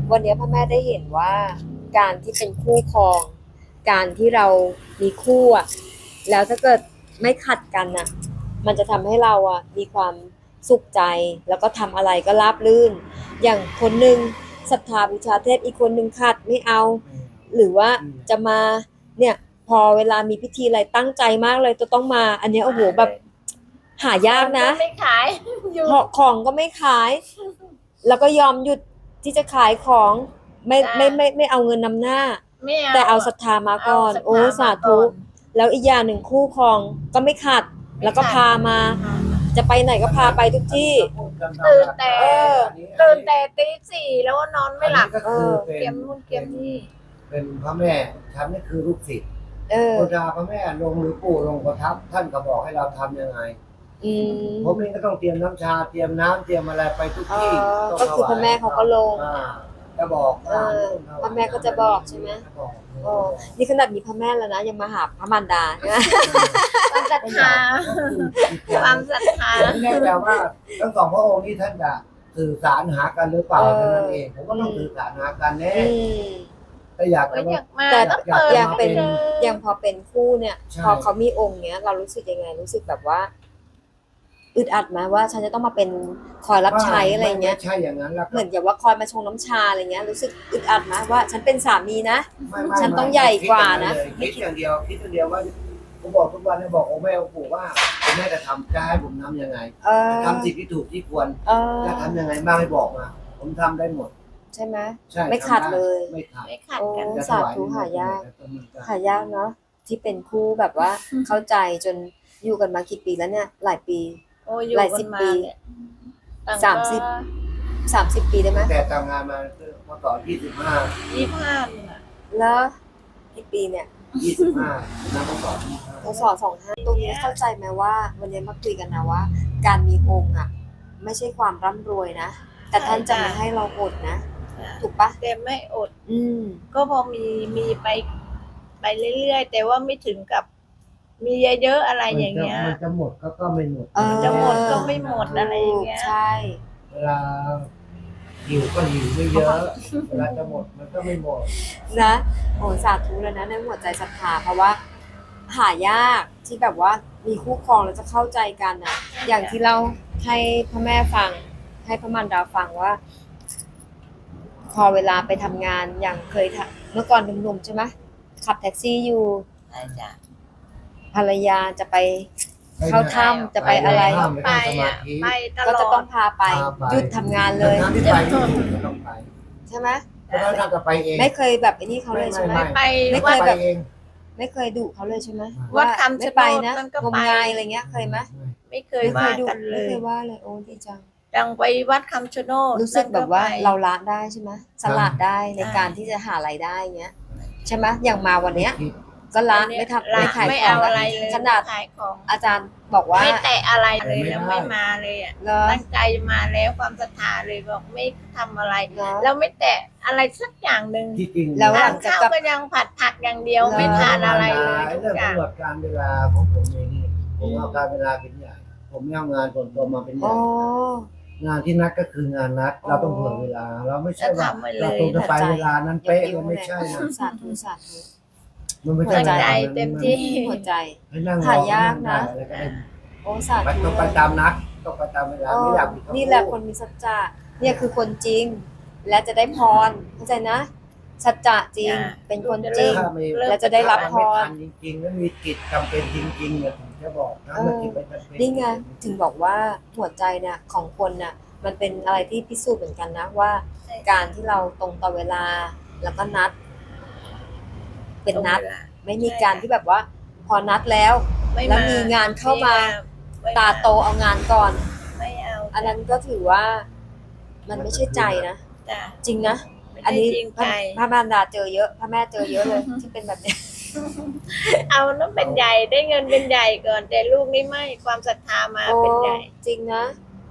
วันนี้พ่อแม่ได้เห็นว่าการที่เป็นคู่ครองการที่เรามีคู่อ่ะแล้วถ้าเกิดไม่ขัดกันน่ะมันจะทำให้เราอ่ะมีความสุขใจแล้วก็ทำอะไรก็ราบรื่นอย่างคนหนึ่งศรัทธาบูชาเทพอีกคนหนึ่งขัดไม่เอาหรือว่าจะมาเนี่ยพอเวลามีพิธีอะไรตั้งใจมากเลยจะต้องมาอันเนี้ยโอ้โหแบบหายากนะไม่ขายอยู่ของก็ไม่ขายแล้วก็ยอมหยุดที่จะขายของไม่เอาเงินนำหน้าแต่เอาศรัทธามาก่อนโอ้สาธุแล้วอีกอย่างหนึ่งคู่ครองก็ไม่ขัดแล้วก็พามาจะไปไหนก็พาไปทุกที่ตื่นแต่ตี 4แล้วก็นอนไม่หลับเกมนู่นเกมนี่เป็นพระแม่ฉันนี่คือลูกศิษย์โบราณพระแม่ลงหรือปู่ลงประทับท่านก็บอกให้เราทำยังไงผมเองก็ต้องเตรียมน้ำชาเตรียมน้ำเตรียมอะไรไปทุกที่ก็คือพระแม่เขาก็ลงจะบอกพระแม่ก็จะบอกใช่ไหมนี่ขนาดมีพระแม่แล้วนะยังมาหาพระมารดาความศรัทธาความศรัทธาแน่ใจว่าทั้งสองพระองค์นี้ท่านจะสื่อสารหากันหรือเปล่าเท่านั้นเองผมก็ต้องสื่อสารหากันแน่แต่อยากจะแต่อย่างเป็นอย่างพอเป็นคู่เนี่ยพอเขามีองค์เนี้ยเรารู้สึกยังไงรู้สึกแบบว่าอึดอัดไหมว่าฉันจะต้องมาเป็นคอยรับใช้อะไรเงี้ยใช่อย่างนั้นแล้วเหมือนกับว่าคอยมาชงน้ำชาอะไรเงี้ยรู้สึกอึดอัดไหมว่าฉันเป็นสามีนะฉันต้องใหญ่กว่านะคิดอย่างเดียวว่าผมบอกทุกวันเนี่ยบอกองค์แม่องค์ปู่ว่าองค์แม่จะทำจะให้ผมทำยังไงทำสิ่งที่ถูกที่ควรจะทำยังไงบ้างให้บอกมาผมทำได้หมดใช่ไหมไม่ขาดเลยไม่ขาดกันสาธุหายากเนาะที่เป็นคู่แบบว่าเข้าใจจนอยู่กันมากี่ปีแล้วเนี่ยหลายปีหลายสิบปี30 ปีได้ไหมแต่ทำงานมาเมื่อก่อน 25 แล้วกี่ปีเนี่ย 25นะเมื่อก่อนพศ25ตรงนี้เข้าใจไหมว่าวันนี้มาคุยกันนะว่าการมีองค์อ่ะไม่ใช่ความร่ำรวยนะแต่ท่านจะไม่ให้เราอดนะถูกปะแต่ไม่อดก็พอมีไปเรื่อยๆแต่ว่าไม่ถึงกับมีเยอะๆอะไรอย่างเงี้ยมันจะหมดก็ไม่หมดจะหมดก็ไม่หมดอะไรอย่างเงี้ยใช่เวลาหิวก็หิวไม่เยอะเวลาจะหมดมันก็ไม่หมดนะโอ้สาธุแล้วนะในหัวใจศรัทธาเพราะว่าหายากที่แบบว่ามีคู่ครองแล้วจะเข้าใจกันอ่ะอย่างที่เราให้พ่อแม่ฟังให้พระมารดาฟังว่าพอเวลาไปทำงานอย่างเคยเมื่อก่อนหนุ่มๆใช่ไหมขับแท็กซี่อยู่ภรรยาจะไปเข้าถ้ำจะไปอะไรก็จะต้องพาไปหยุดทำงานเลยใช่ไหมไม่เคยแบบไอ้นี่เขาเลยใช่ไหมไม่เคยแบบไม่เคยดุเขาเลยใช่ไหมวัดคำไม่ไปนะงมงายอะไรเงี้ยเคยไหมไม่เคยว่ากันเลยไม่เคยว่าเลยโอ้ดีจังดังไปวัดคำชะโนดรู้สึกแบบว่าเราละได้ใช่ไหมสลัดได้ในการที่จะหารายได้เงี้ยใช่ไหมอย่างมาวันเนี้ยก็ละไม่ทำไม่ขายของอะไรเลยขนาดอาจารย์บอกว่าไม่แตะอะไรเลยแล้วไม่มาเลยอ่ะตั้งใจมาแล้วความศรัทธาเลยบอกไม่ทำอะไรแล้วไม่แตะอะไรสักอย่างหนึ่งแล้วหลังจากก็ยังผัดผักอย่างเดียวไม่ทานอะไรเลยเรื่องกำหนดการเวลาของผมเองนี่ผมเอาการเวลาเป็นใหญ่ผมไม่เอางานส่วนตัวมาเป็นใหญ่งานที่นัดก็คืองานนัดเราต้องเผื่อเวลาเราไม่ใช่ว่าเราต้องจะไปเวลานั้นเป๊ะเราไม่ใช่นะสาธุมันไม่ใช่ใจเต็มที่หัวใจหายากนะโอ้สาธุต้องไปตามนัดต้องไปตามเวลาไม่อยากนี่แหละคนมีสัจจะเนี่ยคือคนจริงและจะได้พรเข้าใจนะสัจจะจริงเป็นคนจริงและจะได้รับพรจริงๆแล้วมีกิจจำเป็นจริงๆเนี่ยถึงจะบอกนะนี่ไงถึงบอกว่าหัวใจเนี่ยของคนน่ะมันเป็นอะไรที่พิสูจน์เหมือนกันนะว่าการที่เราตรงต่อเวลาแล้วก็นัดเป็นนัดไม่มีการที่แบบว่าพอนัดแล้วมีงานเข้ามาตาโตเอางานก่อนไม่เอาอันนั้นก็ถือว่ามันไม่ใช่ใจนะจริงนะอันนี้พระมารดาเจอเยอะพระแม่เจอเยอะเลยที่เป็นแบบนี้เอานั้นเป็นใหญ่ได้เงินเป็นใหญ่ก่อนแต่ลูกนี่ไม่ความศรัทธามาเป็นใหญ่จริงนะ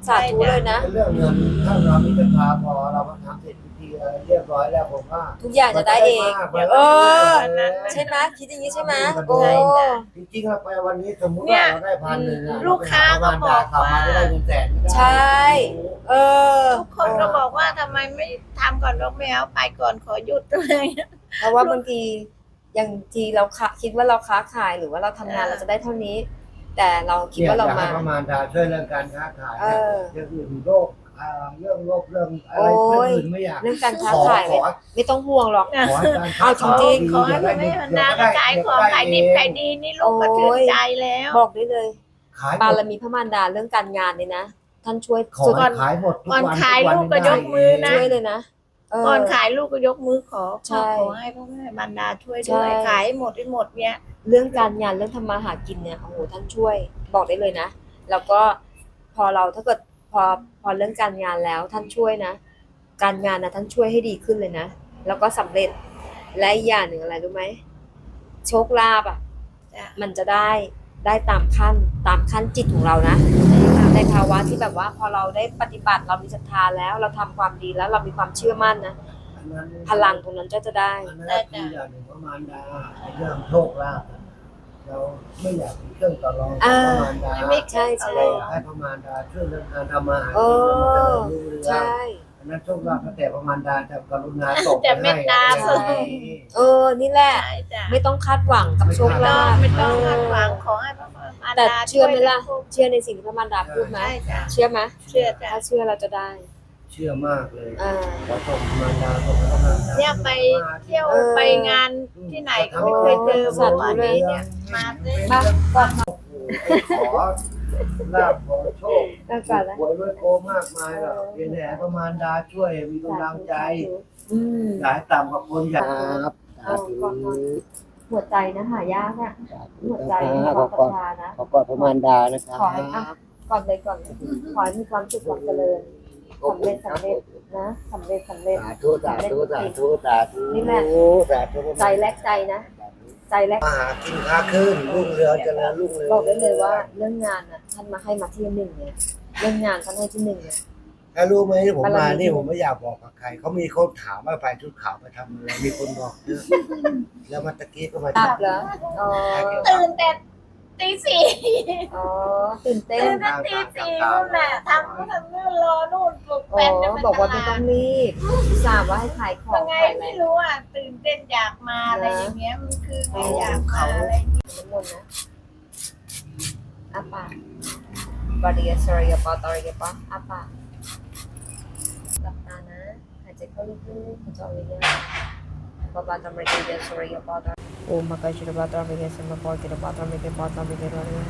สาธุเลยนะเรื่องเงินถ้าเรามีศรัทธาพอเรามาทำเสร็จพิธีอะไรเรียบร้อยแล้วผมว่าทุกอย่างจะได้เองมันเอได้อมากใช่ไหมคิดอย่างนี้ใช่ไหมมันโอ้ได้จริงๆเราไปวันนี้สมมติว่าเราได้1,000อะลูกค้าก็บอกกลับมาว่าได้เงินแสนไม่ได้ใช่ เออทุกคนก็บอกว่าทำไมไม่ทำก่อนบอกไม่เอาไปก่อนขอหยุดเลยเพราะว่าบางทีอย่างทีเราคิดว่าเราค้าขายหรือว่าเราทำงานเออเราจะได้เท่านี้ แต่เราคิดว่าเราอยกมาให้ประมาณดาช่วยเรื่องการค้าขายเออเรื่องอื่นโรคเรื่องโรคเรื่องอะไรโอ้ยเรื่องอื่นไม่อยากเรื่องการค้าขอขายขอไม่ต้องห่วงหรอกขอให้การเอาจริงขอให้แม่บรรดาขายของขายดิบขายดีนี่ลูกก็ชื่นใจแล้วบอกได้เลยขายหมบารดมีพระมารดาเรื่องการงานเนี่ยนะท่านช่วยขอสุดให้ขายหมดทุกก่อนวันขายทุวันลูกก็ยกมือนะช่วยเลยนะเก่อนขายลูกก็ยกมือขอใช่ขอให้พ่อแม่บรรดาช่วยด้วยใช่ขายให้หมดให้หมดเนี่ยเรื่องการงานเรื่องทำมาหากินเนี่ยโอ้โหท่านช่วยบอกได้เลยนะแล้วก็พอเราถ้าเกิดพอเรื่องการงานแล้วท่านช่วยนะ การงานนะท่านช่วยให้ดีขึ้นเลยนะแล้วก็สำเร็จและอีกอย่างหนึ่งอะไรรู้ไหมโชคลาภอ่ะจ้ะมันจะได้ตามขั้นจิตของเรานะในภาวะที่แบบว่าพอเราได้ปฏิบัติเรามีศรัทธาแล้วเราทำความดีแล้วเรามีความเชื่อมั่นนะอันนั้นพลังตรงนั้นจะได้อันนั้นคืออย่างหนึ่งประมาณดาไอ้เรื่องโชคลาภอะเราไม่อยากมีเครื่องต่อรองกับประมาณดาไม่ใช่ใช่เราอยากให้ประมาณดาช่วยเรื่องการทำมาหาเอกินแล้วมันจะอได้รุ่งเรืองใช่อันนั้นโชคลาภแต่ประมาณดาจะกรุณาส่งไปแต่เมให้ตตาอะไรส่งอย่างนี้เออนี่แหละใช่จ้ะไม่ต้องคาดหวังกับโชคลาภไม่ต้องคาดหวังขอให้พ่อแม่บรรแต่ดาเชื่อไหมล่ะช่วยเชื่อในสิ่งที่พระมารดาพูดไหมใช่จ้ะเชื่อไหมเชื่อจ้ะถ้าเชื่อเราจะได้เชื่อมากเลยอ่าขอส่งประมาณดาส่งให้ประมาณดาเนี่ยไปเที่ยวเออไปงานที่ไหนก็ไม่เคยเจอเมื่อวานนี้เนี่ยมาเลยมาก่อนขอลาภขอโชคแล้วก่อนนะหวยรวยโกมากมายหรอกเพียงแต่ประมาณดาช่วยมีกำลังใจอืมอย่าให้ต่ำกว่าคนอยากครับเอาก่อน หัวใจนะหายากนะหัวใจขมีอความศรัทก่อนธานะขอก่อนประมาณดานะครับขอให้อ่ะก่อนเลยขอให้มีความสุขความเจริญสำเร็จนะสำเร็จสาธุสาธุสาธุสาธุนี่แหละสาธุใจแลกใจนะใจแลกมาหากินค้าขึ้นรุ่งเรืองเจริญรุ่งเรืองบอกได้เลยว่าเรื่องงานน่ะท่านมาให้มาที่หนึ่งเนี่ยเรื่องงานท่านให้ที่หนึ่งเนี่ยถ้ารู้ไหมผมบารมีมานี่ผมไม่อยากบอกกับใครเขามีคนถามว่าไปชุดขาวไปทำอะไรมีคนบอกเยอะแล้วมาตะกี้ก็มาตับเหรออ๋อตื่นแต่ตีสี่อ๋อตื่นเต้นตื่นแต่ตีสี่นู่นแหละทำนู่นรอนู่นปลุกอ๋แฟนจะอไปบอกตว่าไม่ลาต้อดงรีบทราบว่าให้ขายของยังไงขายอะไรไม่รู้อ่ะตื่นเต้นอยากมาอะไรอย่างเงี้ยมันคือไม่อยากมาอะไรน้ำมนต์นะอาปากบอดี้สอรี่ปอตอรี่ปะอาปากหลับตานะหายใจเข้าลึกๆหายใจออกเยอะๆปะปาตอรี่เยสอรี่ปอตอโอ้มาไกชิรปาตอรี่เยสมาปอกิรปาตอรี่ปอตอรี่เยส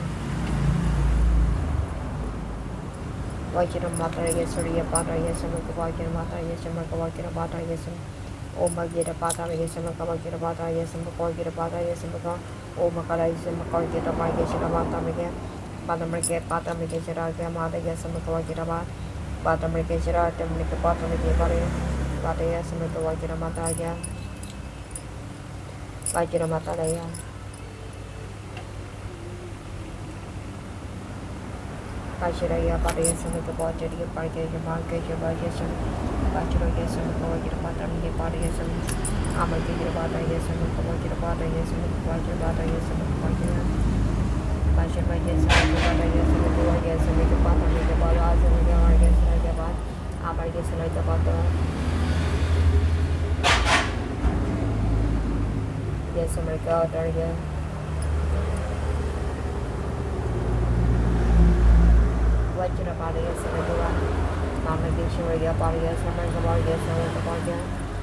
วายจิรมาตอรี่เยสอรี่ปอตอรี่เยสมาปอกิรมาตอรี่เยสมาปอกิรปาตอรี่เยสโอ้มาเกรปาตอรี่เยสมาปอกิรปาตอรี่เยสมาปอกิรปาตอรี่เยสมา โอมาคาราอิสมาคอยกิรบาเกชราบาตามิเกบาตามริเกปาตามิเกชราเกมาเดยสมุทวกิรบาบาตามริเกชราเตมิเกปาตามิเกบาริบาเดยสมุทวกิรมาตายาบากิรมาตาเดยบาชิรายาบาเดยสมุทวจริยบาเกจมาเกจบาเกชบาชิรายาสมุทวกิรบาตามิเกบาเดยสมุอามากิรบาเดยสมุทวกิรบาเดยสมุทวกิรบาเดยสมุทวกิรPassion by yes, I do what I guess, I do I guess, I make a path, I make a ball, I make a I guess, I get back, I guess, I like about the yes, I make out there again. What you about yes, I do that. Mama gives you a about yes, I make about yes, I make about yes.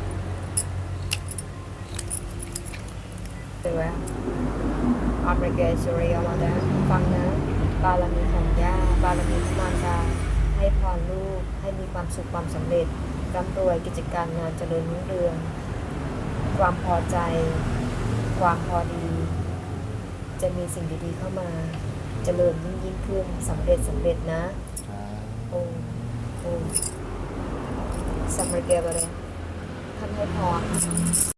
Anyway. อัมริเกสุริยมาดาฟังนะบารมีของย่าบารมีมารดาให้พรลูกให้มีความสุขความสำเร็จร่ำรวยกิจการงานเจริญรุ่งเรืองความพอใจความพอดี จะมีสิ่งดีๆเข้ามาเจริญยิ่งขึ้นสำเร็จนะโอ้สำเร็จเกบอะไรท่านให้พร